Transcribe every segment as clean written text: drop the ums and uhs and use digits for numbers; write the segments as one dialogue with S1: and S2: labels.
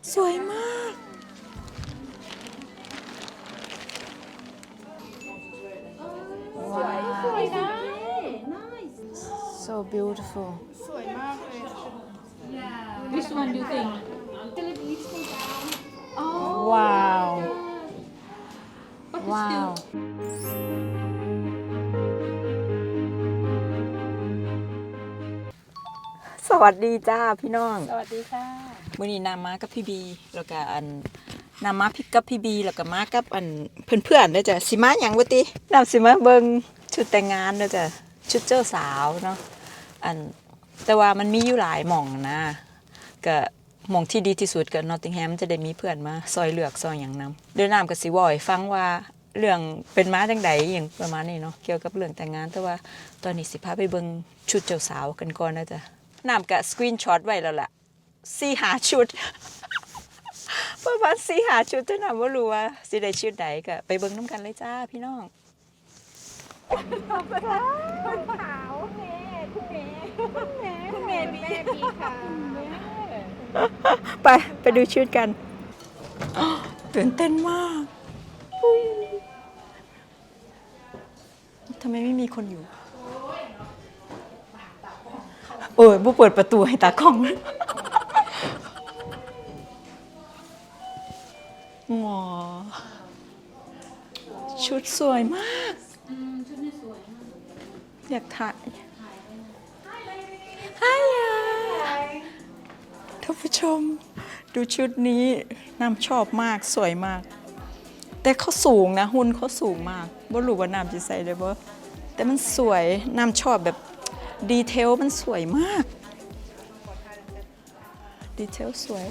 S1: สวยมาก
S2: สวยนะ
S1: so beautiful
S2: Which one do you think
S1: wow
S2: But it's
S1: wow
S2: still
S1: สวัสดีจ้าพี่น้อง
S2: สวัสดีค่ะ
S1: มื้อนี้นามากับพี่บีแล้วก็อันนามาพิกกับพี่บีแล้วก็มากับอันเพื่อนๆเด้อจ้ะสิมาหยังบ่ตินำสิมาเบิ่งชุดแต่งงานเด้อจ้ะชุดเจ้าสาวเนาะอันแต่ว่ามันมีอยู่หลายหม่องนะก็หม่องที่ดีที่สุดก็นอตติงแฮมจะได้มีเพื่อนมาซอยเลือกซอยหยังนำเดี๋ยวน้ำก็สิเว้าให้ฟังว่าเรื่องเป็นมาจังได๋หยังประมาณนี้เนาะเกี่ยวกับเรื่องแต่งงานแต่ว่าตอนนี้สิพาไปเบิ่งชุดเจ้าสาวกันก่อนนะจ้ะน้ำก็สกรีนช็อตไว้แล้วล่ะ4-5 ชุด ประมาณ4-5 ชุดแต่น้ำบ่รู้ว่าสิได้ชุดใดก็ไปเบิ่งนํกันเลยจ้าพี่น้องไปดูชุดกันตื่นเต้นมากอุ๊ยทำไมไม่มีคนอยู่โอ้ยบุเปิดประตูให้ตากล้องหมอชุดสวยมากอยากถ่ายฮายาท่านผู้ชมดูชุดนี้น้ำชอบมากสวยมากแต่เขาสูงนะหุ่นเขาสูงมากบ่รู้ว่าน้ำจะใส่ได้บ่แต่มันสวยน้ำชอบแบบดีเทลมันสวยมากดีเทลสวย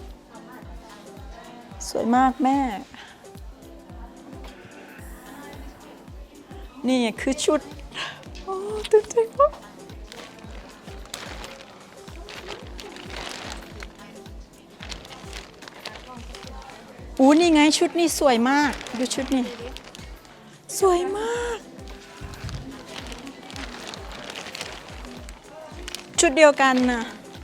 S1: สวยมากแม่นี่คือชุดโอ้ตื่นเต้นมากอู้นี่ไงชุดนี้สวยมากดูชุดนี้สวยมากชุดเดียวกันนะ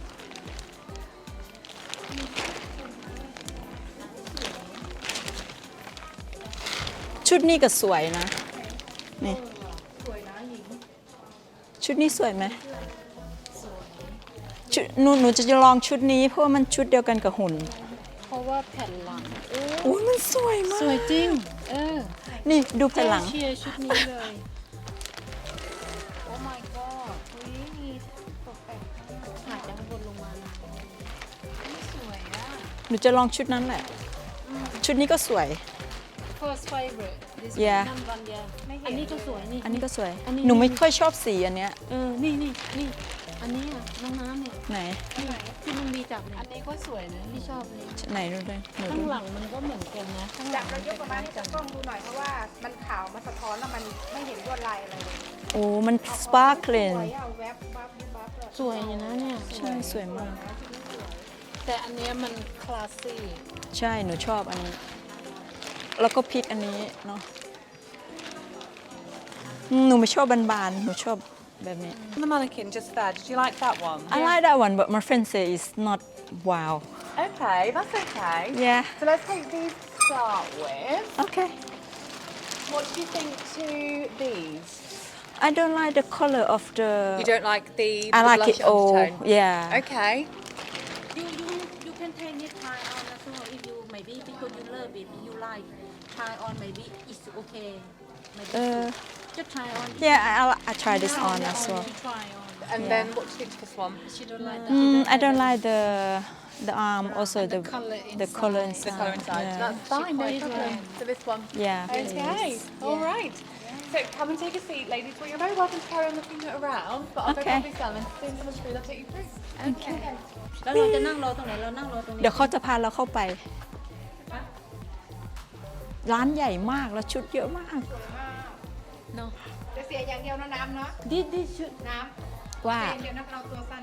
S1: ชุดนี้ก็สวยนะนี่ชุดนี้สวยไหมชุดหนูจะลองชุดนี้เพราะว่ามันชุดเดียวกันกับหุ่น
S2: เพราะว่าแผ่นหลัง
S1: โอ้ยมันสวยมาก
S2: สวยจริง
S1: นี่ดูแผ่นหลัง
S2: เชียร์ชุดนี้เลย โอ้ my god อุ้ยมีตกแต่งถ่ายจากข้างบนลงมาสวยอ่ะ
S1: หนูจะลองชุดนั้นแหละ ชุดนี้ก็สวย
S2: first favorite this
S1: Yeah.
S2: number one yeah อันนี้ก็สวยนี่
S1: อันนี้ก็สวย
S2: อันนี้
S1: หนูไม่ค่อยชอบสีอันเนี้ย
S2: นี่อันนี้อ่ะน้องน้ำเนี่ย
S1: ไหน
S2: ที่มันมีจับอันนี้ก็สวยนะที่ชอบเลย
S1: ไหนดูด้วยหนู
S2: ข้าง
S1: ดู
S2: หลังมันก็เหมือนกันนะข้างหลั
S3: จั
S2: ง
S3: บเรายกประมาณนี้จากกล้องดูหน่อยเพราะว่ามันขาวมันสะท้อนแล้วมันไม่เห็นลวดลายอะไรเลย
S1: โอ้มันสปาร์คเลน
S3: สวยเอาแวบบับบับเลย
S2: สวยอยู่นะเนี่ย
S1: ใช่สวยมาก
S2: แต่อันเนี้ยมันคลาสซี่
S1: ใช่หนูชอบอันนี้ แล้วก็พริกอันนี้เนาะหนูไม่ชอบบานๆหนูชอบแบบนี้
S4: The mannequin just there. Did you like that one?
S1: I like that one but my friend say it's not wow
S4: Okay, that's okay.
S1: yeah
S4: So let's take these to start with.
S1: okay
S4: What do you think to these?
S1: I don't like the color of the
S4: You don't like the,
S1: I
S4: the
S1: like
S4: blush
S1: it all
S4: undertone?
S1: yeah
S4: Okay.
S2: You can take it try on as well if you maybe because you love it you like try on maybe it's okay maybe just try on
S1: yeah I try this on as well
S2: try on
S4: And then what do you think to this one?
S2: she don't like that
S1: I don't like the arm also the
S2: colour
S1: inside
S4: The colour inside.
S1: yeah.
S4: That's fine, no
S2: quite
S4: problem.
S2: like-
S4: So this one.
S1: Yeah,
S4: Okay.
S1: please.
S4: All right. So come and take a seat, ladies. Well, you're very welcome to carry on looking around, but I'll
S1: Okay.
S4: go grab this down and as soon as I'm through, I'll take you through.
S1: Okay.
S2: แล้วเราจะนั่งรอตรงไหนเรานั่งรอตรงนี้
S1: เดี๋ยวเขาจะพาเราเข้าไป ร้านใหญ่มากแล้วชุดเยอะมาก
S2: เนาะ
S3: จะเสียอย่างเดียวนะน้ำเนาะ
S2: this should
S3: น้ำ
S1: ว่า
S3: เสียอย่างเดียวนะเราตัวสั้น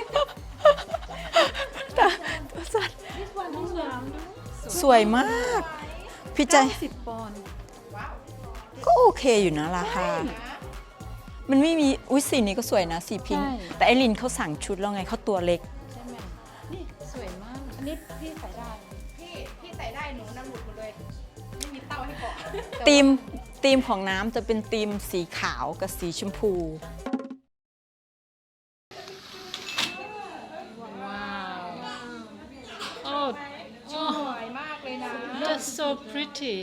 S1: ตัวสัตว์
S2: this one
S1: สวยมาก พี่ใจ
S2: 10 ปอนด์
S1: ก็โอเคอยู่นะราคา มันไม่มีอุ้ยสีนี้ก็สวยนะสีพิงค์แต่ไอรินเขาสั่งชุดแล้วไงเขาตัวเล็ก
S2: ใช่ไหมนี่สวยมาก
S4: And
S3: นนี้พี่ใส่ได้ พี่ใส่ได้หนูน้ำหลุดหมดเลย ไม่มีเต้าให้เกาะ
S1: ธีมของน้ำจะเป็นธีมสีขาวกับสีชมพู
S2: Oh,
S3: สวยมากเลยนะ
S2: that's so pretty.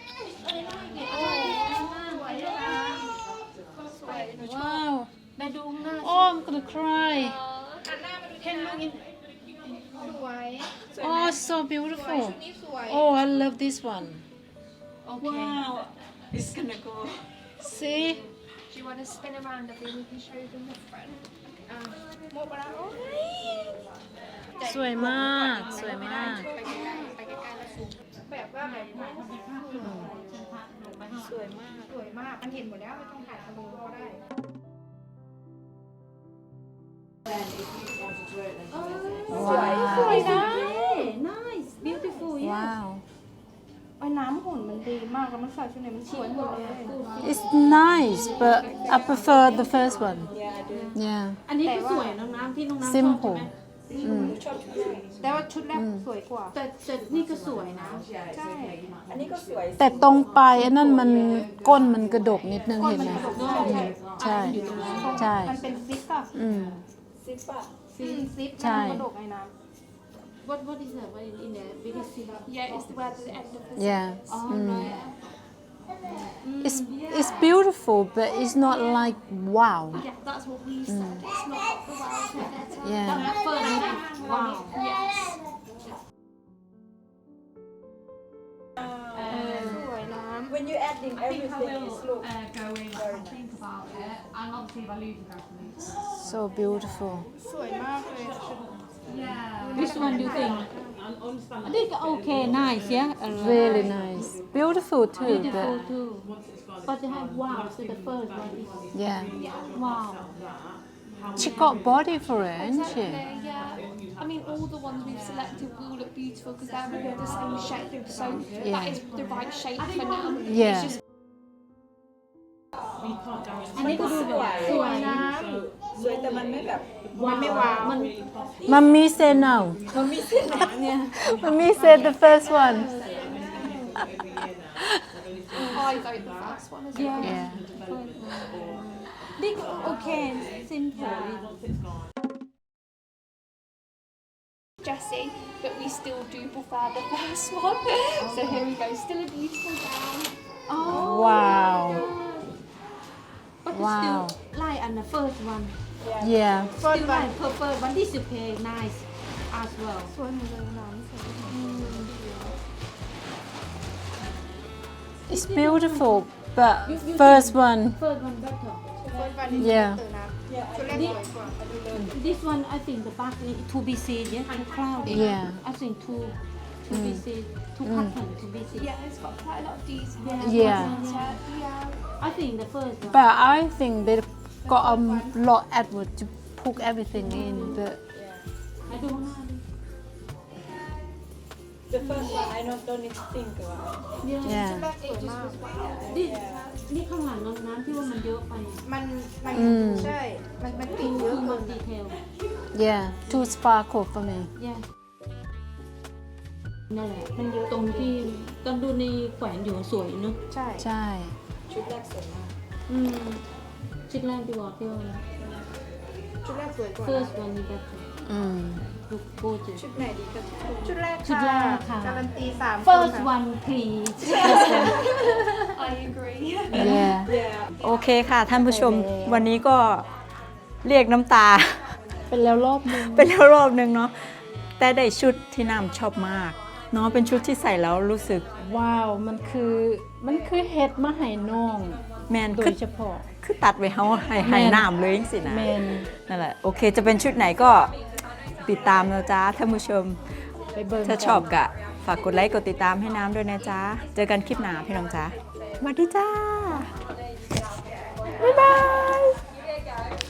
S3: สวยหนูชอบ
S2: Wow.
S3: แม่ดูหน้า
S2: Oh, I'm gonna cry.
S3: หันหน้ามาดูที่น้ำสวย
S2: Oh, so
S3: สวย
S2: beautiful.
S3: ชุดนี้สวย
S2: Oh, I love this one. Okay.
S1: Wow it's gonna go
S2: See?
S4: Do you want to spin around a bit? We can show them the front.
S3: โมกแล้วโอ้ย
S2: สวยมาก สวยมาก
S3: ไปใกล้ๆไปใกล้ๆแล้วสูงแบบว่าแบบสวยมาก สวยมาก มันเห็นหมดแล้วไม่ต้องถ่ายทะลุก็ได้
S1: ว้าว
S2: สวยนะ nice beautiful
S1: ว้าว
S3: ไอ้น้ำหุ่นมันดีมากแล้วมันใส่ชุดไหนมันสวยหมดเลย
S1: It's nice but I prefer the first one yeah
S2: อันนี้ก็สวยน้องน้ำที่น้องน้ำชอบใช่
S1: simple
S2: ไหม
S3: แต่ว่าชุดแรกสวยกว่า
S2: แต่นี่ก็สวยนะ
S3: ใช่
S1: แต่ตรงปลายอันนั้นมันก้นมันกระดกนิดนึงเห็นไหมใช่ ใช่
S3: มันเป็นซิปอะ
S1: อืม
S3: ซิป
S1: ใช่
S3: มันกระดกไอ้น้
S2: what is that what is in there biggest thing
S4: Yeah, it's the where the end of the
S1: yeah
S2: oh right
S1: it's beautiful but it's not like wow
S4: Yeah, that's what we said. It's not the world better.
S1: yeah
S2: เปิดเลยว้าว
S4: Yes.
S3: ำสวยน้
S1: when you adding everything it look
S4: Go away and think about it. And obviously, if I lose the reference.
S1: so beautiful
S3: ำสวยมากเลยชุด
S4: Yeah.
S2: which one do you think อันนี้ก็โอเค nice yeah
S1: really nice beautiful too
S2: beautiful
S1: but
S2: too but they have wow so the first one is
S1: yeah
S2: wow
S1: she got body for it isn't she
S4: Exactly, yeah. I mean, all the ones we've selected will look beautiful because they're all the same shape. So that is the right shape for now.
S1: yeah
S2: อันนี้ก็ดูแบบสวยนะ
S1: สวยแต่มันไม่แบบ
S3: มันไม่ว้าว
S1: มัมมี่ say no มัมมี่ say the first one
S4: I vote the first one as well.
S1: yeah
S2: นี่ก็โอเค simple
S4: Jessie, but we still do prefer the first one. So here we go. Still a beautiful gown.
S1: wow
S2: but
S1: Wow.
S2: still like on the first one
S1: yeah
S2: still like prefer one this is okay nice as well
S3: สวยหมดเลยน้ำสวย
S1: it's beautiful but first one
S2: first one better
S3: เฟิร์สวันนี้
S1: Yeah.
S3: เตอร์น้ำชุดแรกสวยกว่า
S2: this one I think the back is to be seen yeah too cloudy
S1: Yeah.
S2: I think to be seen too pattern to be seen
S4: Yeah, it's got quite a lot of detail.
S1: Yeah.
S4: Yeah.
S2: I think the first one
S1: but I think they got a lot effort to put everything in but
S2: I don't know
S1: the first one I don't need to think about yeah
S3: ชุดแรกสวยมาก
S2: นี่ข้างหลังน้องน้ำที่ว่ามันเยอะไป
S3: มัน
S1: อืม
S3: ใช่ มันติดเย
S2: คือ
S3: อะ
S2: มันดีเทล
S1: yeah too sparkle for me
S2: yeah นั่นแหละมันเยอะตรงที่ตอนดูในแขวนอยู่สวยเนอะ
S3: ใช่
S1: ใช่
S3: ชุดแรกสวยมาก
S2: ชุดแรกที่บอกที่ว่า
S3: ชุดแรกสวยกว่า
S2: first one is better
S1: อืม
S2: look gorgeous
S3: ชุดไหนดีก็ชุดแรก
S2: ชุดแรกค่ะ
S3: การันตี3
S2: first one please
S4: I agree.
S1: yeah โอเคค่ะท่านผู้ชมวันนี้ก็เรียกน้ำตา
S2: เป็นแล้วรอบนึง
S1: เป็นแล้วรอบนึงเนาะแต่ได้ชุดที่น้ำชอบมากเนาะเป็นชุดที่ใส่แล้วรู้สึก
S2: ว้าวมันคือเฮ็ดมาให้น้อง
S1: แมน
S2: โด
S1: คื
S2: ย
S1: อ
S2: เฉพาะ
S1: คือตัดไว้เฮาให้น้ำเลยจังสินะ
S2: แมน
S1: นั่นแหละโอเคจะเป็นชุดไหนก็ติดตามนะจ๊ะท่านผู้ชม
S2: ไปเบิ่ง
S1: ถ้าชอบกะฝากกดไลค์กดติดตามให้น้ำด้วยนะจ๊ะเจอกันคลิปหน้าพี่น้องจ๊ะสวัสดีจ้าบ๊ายบาย